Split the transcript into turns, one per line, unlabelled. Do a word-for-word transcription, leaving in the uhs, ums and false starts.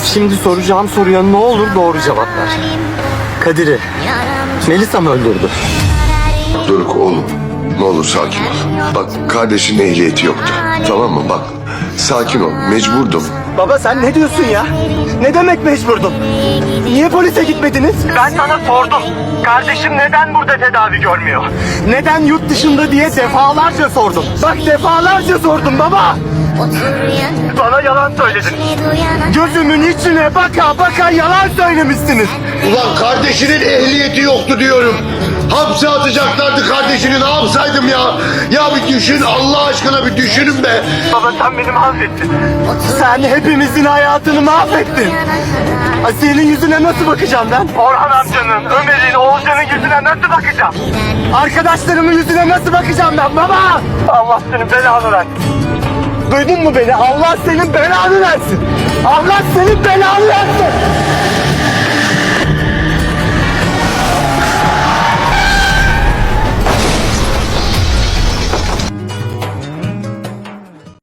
Şimdi soracağım soruya ne olur doğru cevap ver. Kadir'i Melisa mı öldürdü?
Doruk oğlum, ne olur sakin ol. Bak kardeşin ehliyeti yoktu. Tamam mı? Bak sakin ol. Mecburdum.
Baba sen ne diyorsun ya? Ne demek mecburdun? Niye polise gitmediniz? Ben sana sordum. Kardeşim neden burada tedavi görmüyor? Neden yurt dışında diye defalarca sordum. Bak defalarca sordum baba. Bana yalan söyledin. Gözümün içine baka baka yalan söylemişsiniz.
Ulan kardeşinin ehliyeti yoktu diyorum. Hapse atacaklardı kardeşini, ne yapsaydım ya? Ya bir düşün, Allah aşkına bir düşünün be.
Baba sen beni mahvettin. Sen hepimizin hayatını mahvettin. Asiye'nin yüzüne nasıl bakacağım ben? Orhan amcanın, Ömer'in, Oğuzcan'ın yüzüne nasıl bakacağım? Arkadaşlarımın yüzüne nasıl bakacağım ben baba? Allah senin belanı versin. Duydun mu beni? Allah senin belanı versin. Allah senin belanı versin.